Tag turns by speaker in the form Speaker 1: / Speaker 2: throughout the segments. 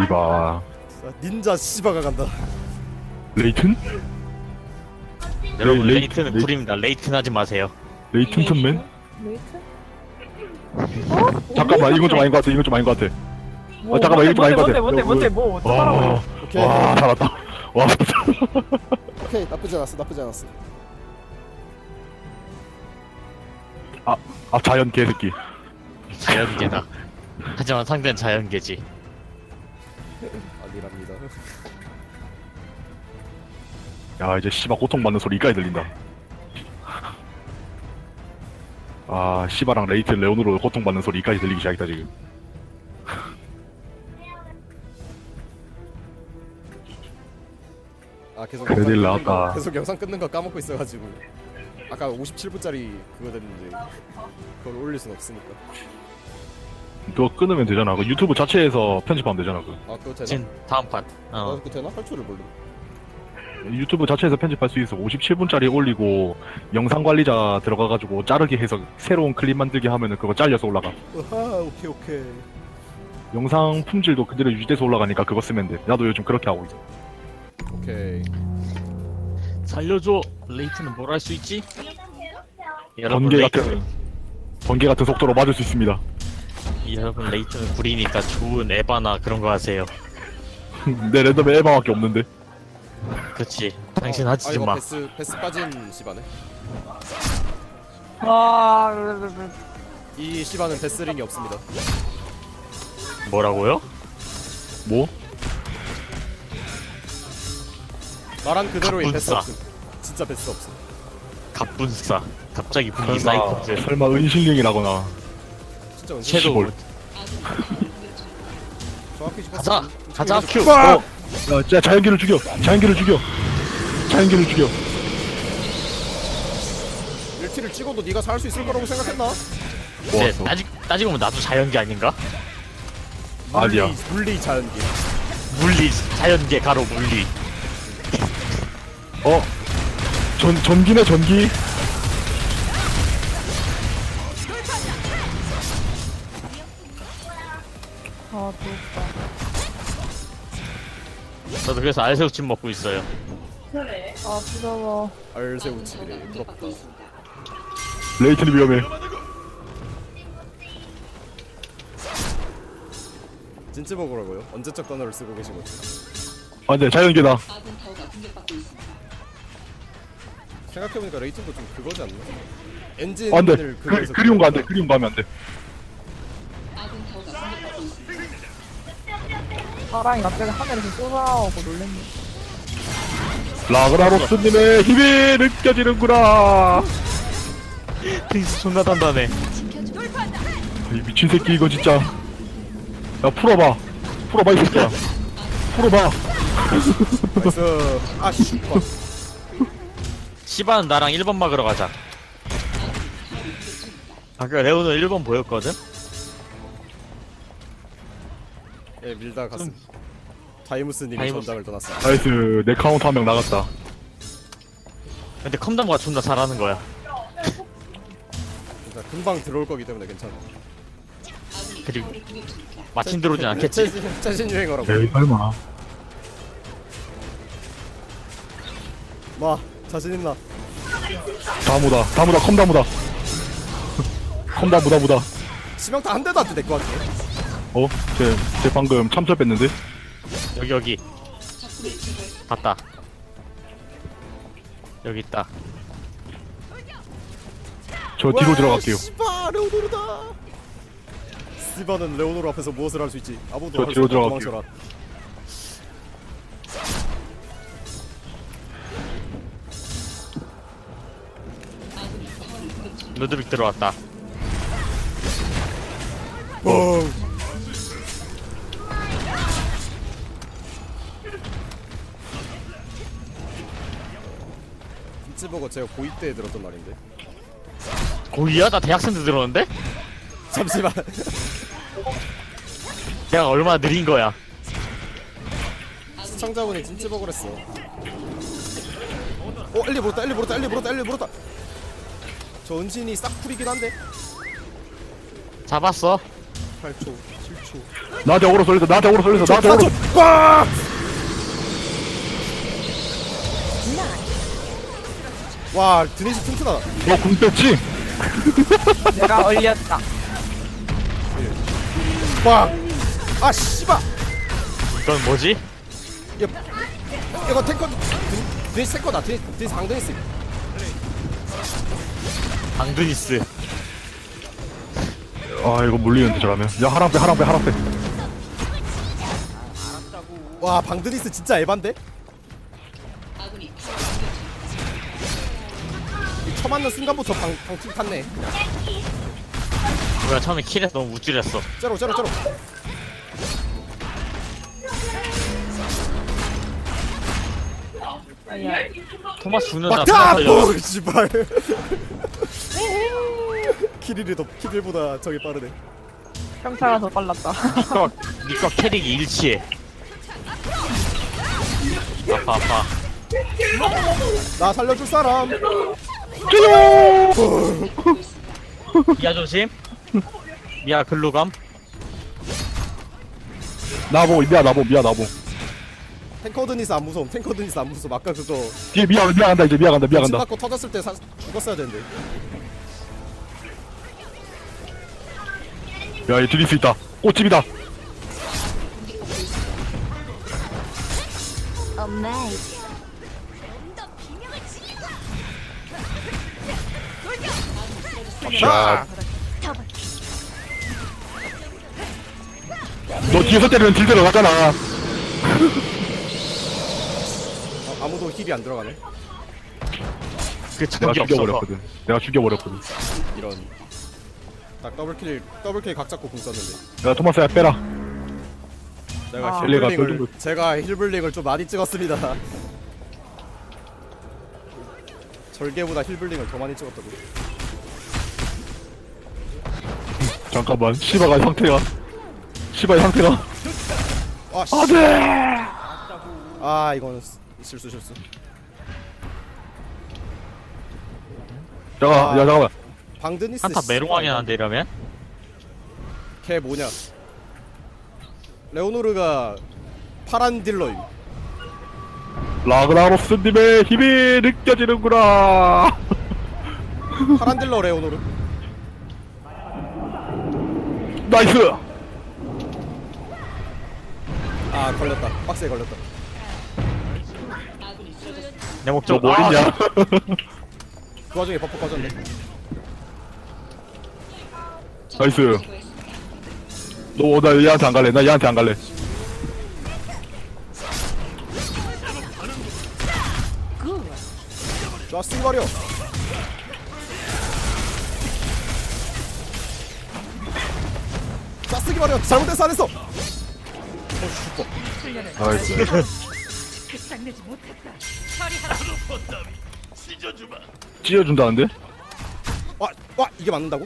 Speaker 1: 씨바.
Speaker 2: 닌자 씨바가 간다.
Speaker 1: 레이튼?
Speaker 3: 여러분
Speaker 1: 레이튼,
Speaker 3: 레이튼은 굴입니다. 레이튼 하지 마세요.
Speaker 1: 레이튼 턴맨?
Speaker 4: 레이튼?
Speaker 1: 잠깐만, 이건 좀 아닌 것 같아. 이건 좀 아닌 것 같아. 잠깐만, 이거 좀 아닌 것 같아.
Speaker 4: 뭔데 뭐 어떡하라고.
Speaker 2: 오케이.
Speaker 1: 와, 살았다. 와,
Speaker 2: 오케이, 나쁘지 않았어. 나쁘지 않았어.
Speaker 1: 자연 개새끼.
Speaker 3: 자연계다. 하지만 상대는 자연계지.
Speaker 2: 아니랍니다.
Speaker 1: 야, 이제 씨바 고통받는 소리 이까지 들린다. 아, 씨바랑 레이튼 레온으로 고통받는 소리 이까지 들리기 시작했다, 지금.
Speaker 2: 아 계속
Speaker 1: 큰일
Speaker 2: 영상 끊는 거-
Speaker 1: 났다.
Speaker 2: 계속 영상 끊는 거 까먹고 있어가지고 아까 57분짜리 그거 됐는데 그걸 올릴 순 없으니까.
Speaker 1: 그거 끊으면 되잖아. 그 유튜브 자체에서 편집하면 되잖아, 그.
Speaker 2: 아 그거 되나?
Speaker 3: 진 다음 판.
Speaker 2: 아 그거 되나? 할 줄을 몰라.
Speaker 1: 유튜브 자체에서 편집할 수 있어. 57분짜리 올리고 영상 관리자 들어가가지고 자르기 해서 새로운 클립 만들기 하면은 그거 잘려서 올라가.
Speaker 2: 아하 오케이 오케이.
Speaker 1: 영상 품질도 그대로 유지돼서 올라가니까 그거 쓰면 돼. 나도 요즘 그렇게 하고 있어.
Speaker 2: 오케이.
Speaker 3: 살려줘. 레이튼은 뭘 할 수 있지?
Speaker 1: 번개 같은 속도로 맞을 수 있습니다.
Speaker 3: 여러분 레이튼은 굴이니까 좋은 에바나 그런 거 하세요.
Speaker 1: 내 랜덤에 에바밖에 없는데.
Speaker 3: 그치. 당신 하지
Speaker 2: 이거
Speaker 3: 마.
Speaker 2: 베스 빠진 시바네. 이 시바는 베스링이 없습니다.
Speaker 3: 뭐라고요?
Speaker 1: 뭐?
Speaker 2: 말한 그대로의 베스
Speaker 3: 갑분싸.
Speaker 2: 없음. 진짜 베스 없음.
Speaker 3: 갑분싸. 갑자기 분기 사이코즈.
Speaker 1: 설마 은신령이라거나.
Speaker 2: 진짜 은신.
Speaker 3: 섀도우.
Speaker 1: 시골.
Speaker 2: 정확히
Speaker 3: 가자. 가자 큐.
Speaker 1: 야, 진짜 자연계를 죽여. 자연계를 죽여. 자연계를 죽여.
Speaker 2: 1티를 찍어도 네가 살 수 있을 거라고 생각했나?
Speaker 3: 이제
Speaker 1: 좋았어.
Speaker 3: 따지고 보면 나도 자연계 아닌가?
Speaker 1: 아니야.
Speaker 2: 물리 자연계.
Speaker 3: 물리 자연계 가로 물리.
Speaker 1: 전기네, 전기.
Speaker 4: 아 좋다.
Speaker 3: 저도 그래서 알새우찜 먹고 있어요.
Speaker 4: 아 부러워.
Speaker 2: 알새우칩이래. 부럽다.
Speaker 1: 레이튼이 위험해.
Speaker 2: 진짜 먹으라고요? 언제적 단어를 쓰고 계신 거지?
Speaker 1: 아, 네, 자연계다.
Speaker 2: 생각해보니까 레이튼도 좀 그거지 않나?
Speaker 1: 안 돼.
Speaker 2: 엔진을 그거에서
Speaker 1: 그리운 거 안 돼. 그리운 거 하면 안 돼.
Speaker 4: 사랑이 갑자기 하늘에서 쏟아오고 놀랬네.
Speaker 1: 라그나로스님의 힘이 느껴지는구나.
Speaker 3: 핑스 존나 단단해.
Speaker 1: 이 미친 새끼 이거 진짜. 야, 풀어봐. 풀어봐, 이 새끼야. 풀어봐.
Speaker 2: 나이스. 아 슈퍼.
Speaker 3: 시바는 나랑 1번 막으러 가자. 아까 레오는 1번 보였거든?
Speaker 2: 예 밀다 갔음. 다이무스님이
Speaker 3: 다이무스.
Speaker 2: 전장을 떠났어.
Speaker 1: 나이스. 내 카운터 한 명 나갔다.
Speaker 3: 근데 컴담과 존나 잘하는 거야.
Speaker 2: 그러니까 금방 들어올 거기 때문에 괜찮아.
Speaker 3: 그리고 마침 들어오진 않겠지?
Speaker 2: 최신 유행어라고.
Speaker 1: 에이, 설마.
Speaker 2: 마 자신 있나?
Speaker 1: 다무다. 다무다. 컴다무다. 컴다무다 무다.
Speaker 2: 치명타 한 대도 안 될 것 같아.
Speaker 1: 쟤 방금 참철 뺐는데?
Speaker 3: 여기 봤다. 여기 있다.
Speaker 1: 저 뒤로 들어갈게요.
Speaker 2: 씨바 레오노르다. 스티바는 레오노르 앞에서 무엇을 할 수 있지? 아무도
Speaker 1: 저
Speaker 2: 할수
Speaker 1: 뒤로
Speaker 2: 없다.
Speaker 1: 들어갈게요.
Speaker 2: 도망쳐라.
Speaker 3: 루드빅 들어왔다.
Speaker 2: 오. 김치버거 제가 고2 때 들었던 말인데.
Speaker 3: 고이야? 나 대학생 때 들었는데?
Speaker 2: 잠시만.
Speaker 3: 내가 얼마나 느린 거야.
Speaker 2: 시청자분이 김치버거를 했어. 엘리 물었다, 엘리 물었다, 엘리 물었다, 엘리 물었다. 저 은신이 싹풀이긴 한데.
Speaker 3: 잡았어.
Speaker 2: 8초, 7초.
Speaker 1: 나한테 어그로 쏠렸어. 나한테 어그로 쏠렸어. 나한테 어그로.
Speaker 2: 꽉! 와 드니스 튼튼하다.
Speaker 1: 너궁 뺐지?
Speaker 4: 내가 얼렸다.
Speaker 2: 와! 아 씨발!
Speaker 3: 이건 뭐지?
Speaker 2: 이거 탱커 드니스 탱커다. 드니스 강드니스.
Speaker 3: 방드니스.
Speaker 1: 아 이거 물리는데 저라면. 야 하랑 빼 하랑 빼 하랑 빼.
Speaker 2: 와 방드니스 진짜 에반데? 이 처맞는 순간부터 방팀 탔네.
Speaker 3: 뭐야 처음에 킬에서 너무 우쭐했어.
Speaker 2: 째로.
Speaker 4: 아야.
Speaker 3: 토마스 죽는다.
Speaker 2: 막타!
Speaker 3: 살려.
Speaker 2: 오 씨발. 킬일보다 저게 빠르네.
Speaker 4: 평타가 더 빨랐다.
Speaker 3: 니과 캐릭이 일치해. 아파.
Speaker 2: 나 살려줄 사람.
Speaker 3: 미아 조심. 미아 글루감.
Speaker 1: 나보 미야 나보 미야 나보.
Speaker 2: 탱커 드니스 안 무서움. 아까 그거
Speaker 1: 뒤에 미야 간다 이제 미야 간다.
Speaker 2: 침 맞고 터졌을 때 죽었어야 되는데.
Speaker 1: 야얘 드릴 있다. 꽃집이다.
Speaker 2: 자,
Speaker 1: 너 뒤에서 때리면 딜 들어가잖아.
Speaker 2: 아무도 힐이 안 들어가네.
Speaker 3: 그
Speaker 1: 내가
Speaker 3: 적이 없어서.
Speaker 1: 죽여버렸거든. 내가 죽여버렸거든.
Speaker 2: 이런. 딱 더블킬 각 잡고 궁 썼는데.
Speaker 1: 야 토마스야 빼라.
Speaker 2: 제가
Speaker 4: 아.
Speaker 1: 엘레가
Speaker 2: 힐블링을
Speaker 1: 별 정도-
Speaker 2: 제가 힐블링을 좀 많이 찍었습니다. 절개보다 힐블링을 더 많이 찍었다고.
Speaker 1: 잠깐만 시바가 상태가. 시바의 상태가.
Speaker 2: 아 씨.
Speaker 1: 안돼.
Speaker 2: 아 이건 실수.
Speaker 1: 잠깐 야 잠깐만.
Speaker 2: 방드니스
Speaker 3: 한타 메롱왕이 나는데 이러면?
Speaker 2: 걔 뭐냐? 레오노르가 파란 딜러임.
Speaker 1: 라그나로스님의 힘이 느껴지는구나.
Speaker 2: 파란 딜러 레오노르.
Speaker 1: 나이스.
Speaker 2: 아 걸렸다. 박스에 걸렸다.
Speaker 3: 내 목적
Speaker 1: 너 뭐했냐?
Speaker 2: 그 와중에 버프 꺼졌네.
Speaker 1: 나이스. 나 얘한테 안 갈래. 나 얘한테 안 갈래.
Speaker 2: 자 쓰기버려. 자 쓰기버려. 잘못해서 안 했어. 슈퍼.
Speaker 1: 나이스. 찢어준다는데?
Speaker 2: 와 이게 맞는다고?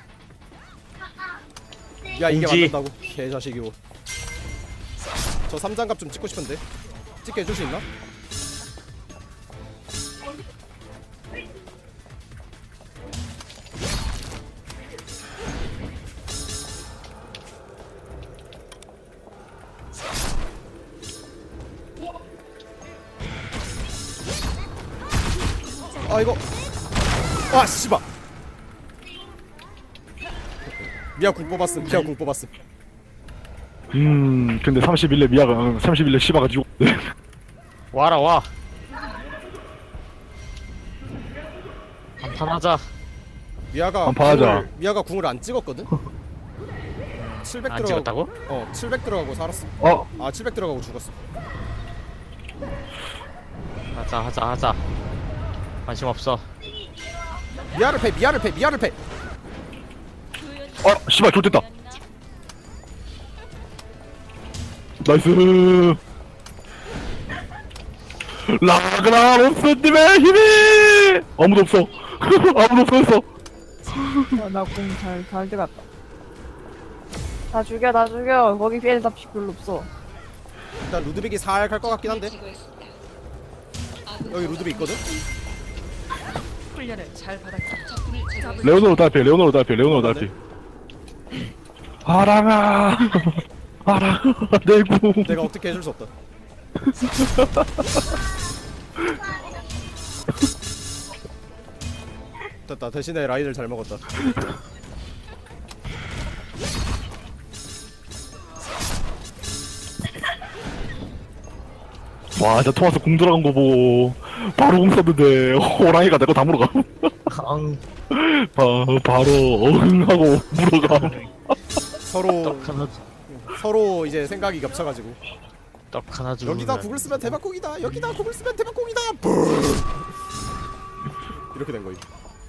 Speaker 2: 야 이게
Speaker 3: 공지.
Speaker 2: 맞는다고? 개자식이고. 저 3장갑 좀 찍고 싶은데 찍게 해줄 수 있나? 아 이거 아 씨발 미아 궁 뽑았음.
Speaker 1: 근데 31렙 미아가 31렙 시바가 지고.
Speaker 3: 와라 와. 한판 하자.
Speaker 2: 미아가 궁을 안 찍었거든? 700
Speaker 3: 안
Speaker 2: 들어가고
Speaker 3: 찍었다고?
Speaker 2: 700 들어가고 살았어.
Speaker 1: 어?
Speaker 2: 아 700 들어가고 죽었어.
Speaker 3: 하자. 관심 없어.
Speaker 2: 미아를 패.
Speaker 1: 시바 좋됐다. 나이스. 라그나로스님의 힘이 아무도 없어. 아무도 없어.
Speaker 4: 나 공 잘 들어갔다. 다 죽여. 거기 피해 답시 별로 없어.
Speaker 2: 일단 루드빅이 살 갈 것 같긴 한데 여기 루드빅 있거든?
Speaker 1: 레오노로 달피. 하랑아. 알아. 내구.
Speaker 2: 내가 어떻게 해줄 수 없다. 됐다. 대신에 라인을 잘 먹었다.
Speaker 1: 와, 진짜 토마스 공 들어간 거 보고 바로 공 썼는데 호랑이가 내 거 다 물어가.
Speaker 3: 앙.
Speaker 1: 바로 어흥하고 물어가.
Speaker 2: 서로
Speaker 3: 떡 하나
Speaker 2: 서로 이제 생각이 겹쳐가지고
Speaker 3: 떡 하나 주고.
Speaker 2: 여기다 국을 쓰면 대박국이다. 여기다 국을 쓰면 대박국이다. 뿡! 이렇게 된 거임.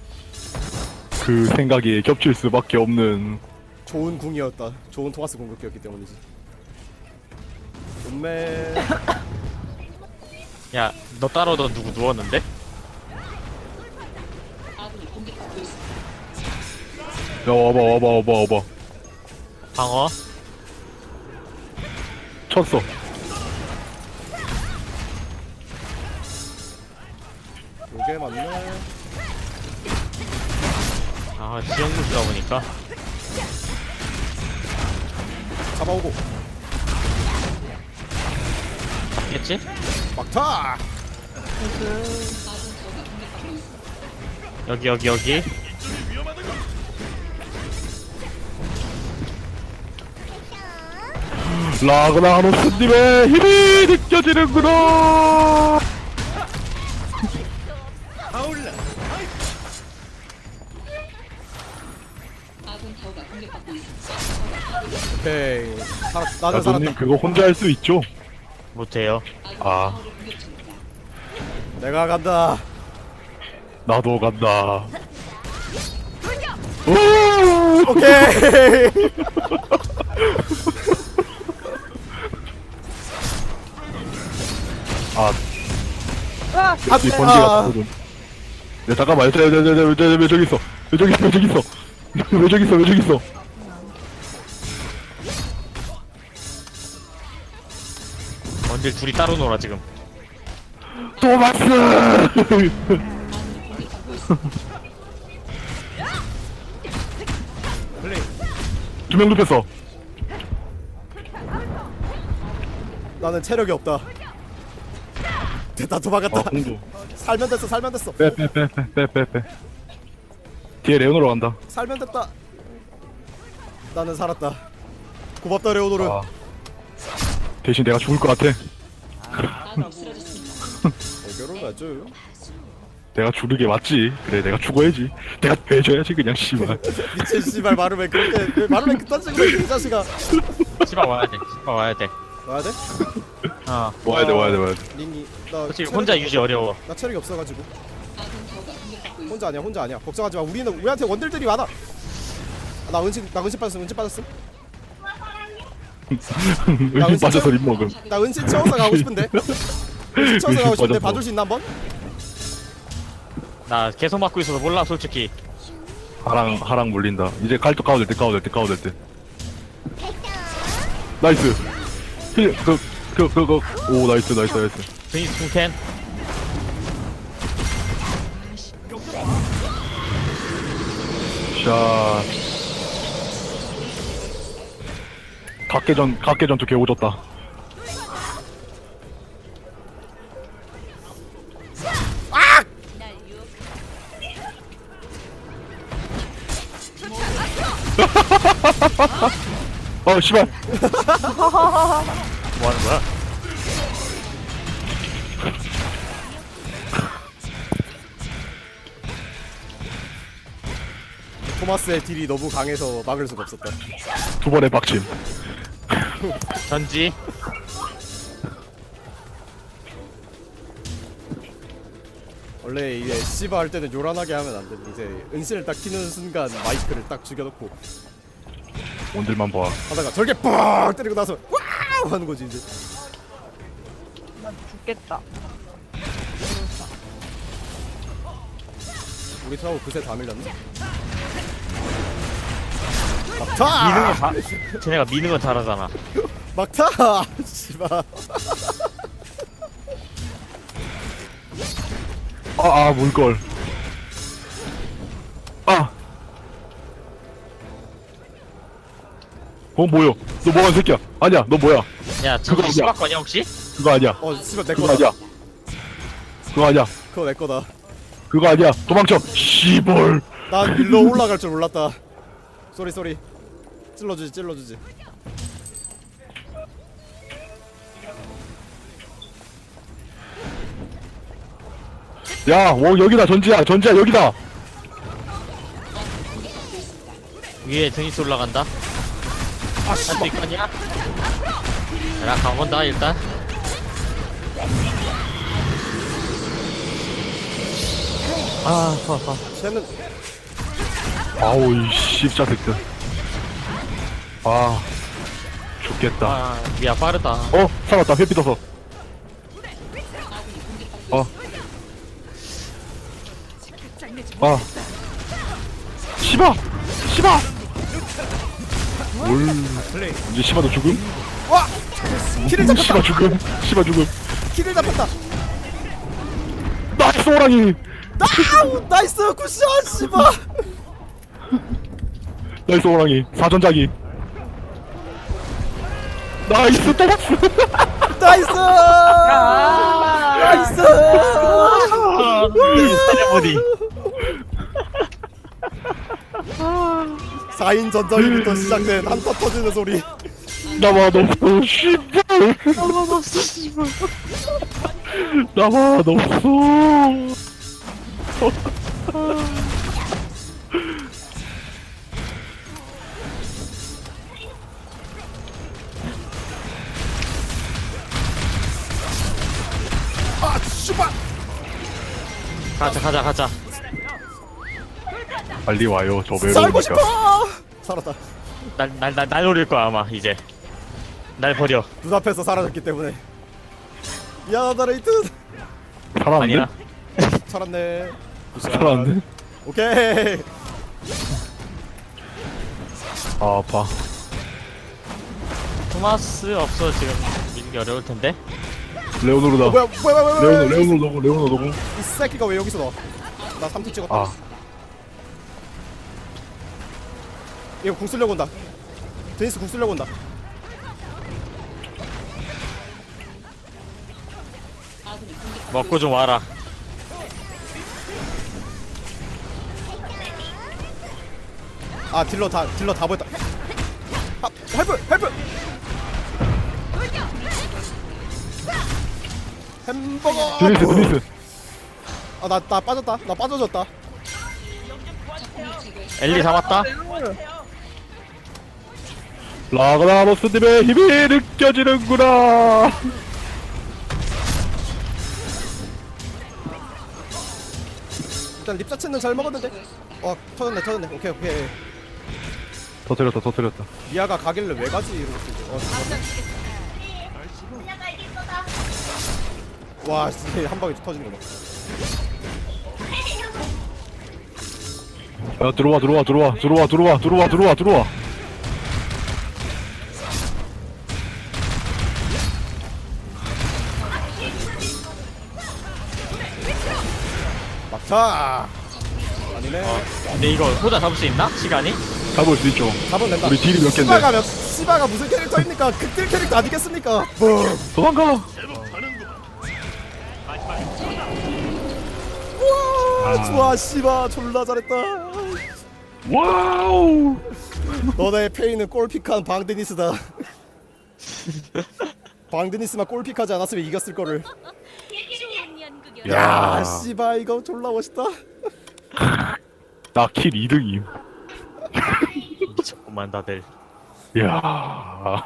Speaker 1: 그 생각이 겹칠 수밖에 없는.
Speaker 2: 좋은 궁이었다. 좋은 토마스 공격기였기 때문이지. 음메.
Speaker 3: 야, 너 따라오던 누구 누웠는데?
Speaker 1: 야, 와봐.
Speaker 3: 방어?
Speaker 1: 쳤어.
Speaker 2: 요게 맞네.
Speaker 3: 아, 지역무시다 보니까.
Speaker 2: 잡아오고
Speaker 3: 겠지?
Speaker 2: 막타.
Speaker 3: 여기.
Speaker 1: 라그나로스님의 힘이 느껴지는구나.
Speaker 2: 오케이. 나는
Speaker 1: 야도님
Speaker 2: 살았다.
Speaker 1: 그거 혼자 할 수 있죠?
Speaker 3: 못해요.
Speaker 1: 아,
Speaker 2: 내가 간다.
Speaker 1: 나도 간다. 오!
Speaker 2: 오케이.
Speaker 1: 아,
Speaker 4: 아!
Speaker 1: 이 번개가 나거든. 야, 잠깐만, 왜 저기 있어? 왜 저기 있어? 왜 저기 있어?
Speaker 3: 원딜 둘이 따로 놀아 지금.
Speaker 1: 토마스!
Speaker 2: 플레이.
Speaker 1: 두 명 눕혔어.
Speaker 2: 나는 체력이 없다. 됐다. 도망갔다.
Speaker 1: 공도.
Speaker 2: 살면 됐어.
Speaker 1: 빼. 뒤에 레오노로 간다.
Speaker 2: 살면 됐다. 나는 살았다. 고맙다 레오노르.
Speaker 1: 아. 대신 내가 죽을 것 같아.
Speaker 2: 결혼하죠.
Speaker 1: 내가 죽는 게 맞지. 그래, 내가 죽어야지. 내가 해줘야지, 그냥, 씨발.
Speaker 2: 미친 씨발 말을 왜 그렇게 왜 말을 왜 그딴 식으로 해, 이 자식아.
Speaker 3: 씨발 와야 돼.
Speaker 2: 와야 돼?
Speaker 3: 어.
Speaker 1: 와야 돼.
Speaker 2: 링이 나
Speaker 3: 솔직히
Speaker 2: 체력이
Speaker 3: 혼자
Speaker 2: 없어.
Speaker 3: 유지 어려워.
Speaker 2: 나 체력이 없어가지고. 혼자 아니야. 걱정하지 마. 우리한테 원딜들이 많아. 아, 나 은신 빠졌음.
Speaker 1: 의심 빠져서 립 먹음.
Speaker 2: 나 은신 채워서 가고 싶은데. 은신 채워서 가고 싶은데
Speaker 1: 빠졌어.
Speaker 2: 봐줄 수 있나 한번?
Speaker 3: 나 계속 맞고 있어서 몰라 솔직히.
Speaker 1: 하랑 물린다. 이제 칼도 까워될 때. 나이스. 오, 나이스.
Speaker 3: 드니스 풍캔.
Speaker 1: 샷. 각계 전투 개오졌다. 씨발.
Speaker 3: 뭐 하는 거야?
Speaker 2: 토마스의 딜이 너무 강해서 막을 수가 없었다.
Speaker 1: 두 번의 박침.
Speaker 3: 전지.
Speaker 2: 원래 이제 씨바 할 때는 요란하게 하면 안 돼. 이제 은신을 딱 키는 순간 마이크를 딱 죽여놓고
Speaker 1: 온들만 봐.
Speaker 2: 하다가 절개 빡 때리고 나서 와우 하는 거지 이제.
Speaker 4: 나 죽겠다.
Speaker 2: 우리 트라고 그새 다 밀렸네.
Speaker 3: 미는
Speaker 2: 막타!
Speaker 3: 건 다. 쟤네가 미는 건 잘하잖아.
Speaker 2: 막타! 씨바.
Speaker 1: 물걸. 뭐야? 너 뭐한 새끼야? 아니야, 너 뭐야?
Speaker 3: 야 저거
Speaker 1: 그거 아니야.
Speaker 3: 시바거냐 혹시?
Speaker 1: 그거 아니야.
Speaker 2: 씨발 내
Speaker 1: 그거
Speaker 2: 거다.
Speaker 1: 아니야. 그거 아니야.
Speaker 2: 그거 내 거다.
Speaker 1: 그거 아니야. 도망쳐. 씨벌.
Speaker 2: 난 일로 올라갈 줄 몰랐다. 쏘리. 찔러주지.
Speaker 1: 야, 여기다 전지야 여기다.
Speaker 3: 위에 드니스 올라간다. 할 수 있겠냐? 나 가본다 일단. 아 아파.
Speaker 2: 쟤는
Speaker 1: 아우 이 씹자새끼들. 아 죽겠다.
Speaker 3: 아 미야 빠르다.
Speaker 1: 살았다. 회피 떠서. 시바. 이제 시바도 죽음?
Speaker 2: 와! 키를 잡혔다.
Speaker 1: 시바 죽음.
Speaker 2: 키를 잡혔다.
Speaker 1: 나이스 호랑이.
Speaker 2: 나이스 굿샷 씨발.
Speaker 1: 나이스 호랑이. 사전자기. 나이스 토마스.
Speaker 2: 나이스.
Speaker 3: 세레모니.
Speaker 2: 4인 전장부터 시작된 한타 터지는 소리.
Speaker 1: 나만 없어. 씨발.
Speaker 3: 나만 없어 씨발.
Speaker 1: 나만 없어.
Speaker 2: 아 씨발.
Speaker 3: 가자.
Speaker 1: 빨리 와요. 저
Speaker 2: 살고
Speaker 1: 외로우니까.
Speaker 2: 싶어. 살았다.
Speaker 3: 날 노릴 거야 아마 이제. 날 버려.
Speaker 2: 눈앞에서 사라졌기 때문에. 미안하다 레이튼.
Speaker 1: 살았는데?
Speaker 3: 아니야.
Speaker 2: 살았네. 굿샷.
Speaker 1: 살았는데?
Speaker 2: 오케이.
Speaker 1: 아 아파.
Speaker 3: 토마스 없어 지금 밀기 어려울 텐데.
Speaker 1: 레오노르다.
Speaker 2: 뭐야.
Speaker 1: 레오노 노공.
Speaker 2: 이 새끼가 왜 여기서 나와? 나 3트 찍었다.
Speaker 1: 아
Speaker 2: 이거 궁 쓰려고 온다. 데니스 궁 쓰려고 온다.
Speaker 3: 먹고 좀 와라.
Speaker 2: 아 딜러 다 보였다. 아 헬프. 햄버거.
Speaker 1: 드니스.
Speaker 2: 아나 빠졌다. 나 빠져졌다.
Speaker 3: 엘리 잡았다.
Speaker 1: 라그나로스님의 힘이 느껴지는구나.
Speaker 2: 일단 립 자체는 잘 먹었는데. 터졌네. 오케이.
Speaker 1: 터뜨렸다.
Speaker 2: 미아가 가길래 왜 가지 이러고 죽었네. 와 진짜 한 방에 터지는 거 봐.
Speaker 1: 야 들어와.
Speaker 2: 막차. 아니네.
Speaker 3: 근데 이거 호자 잡을 수 있나? 시간이?
Speaker 1: 잡을 수 있죠.
Speaker 2: 잡으면 된다.
Speaker 1: 우리 딜이 몇 갠데?
Speaker 2: 시바가 무슨 캐릭터입니까? 극딜 캐릭터 아니겠습니까? 뭐.
Speaker 1: 도망가.
Speaker 2: 와 좋아 시바 졸라 잘했다.
Speaker 1: 와우.
Speaker 2: 너네 페이는 골픽한 방드니스다. 방드니스만 골픽하지 않았으면 이겼을 거를. 야 씨바 이거 졸라 멋있다.
Speaker 1: 나 킬 2등임.
Speaker 3: 미쳤구만 다들.
Speaker 1: 야.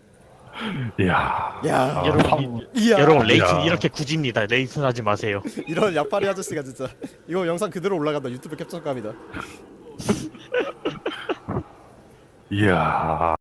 Speaker 2: 야
Speaker 3: 여러분,
Speaker 2: 이야.
Speaker 3: 여러분 레이튼
Speaker 1: 야.
Speaker 3: 이렇게 굳입니다. 레이튼 하지 마세요.
Speaker 2: 이런 약파리 아저씨가 진짜. 이거 영상 그대로 올라간다. 유튜브 캡처감이다.
Speaker 1: 이야.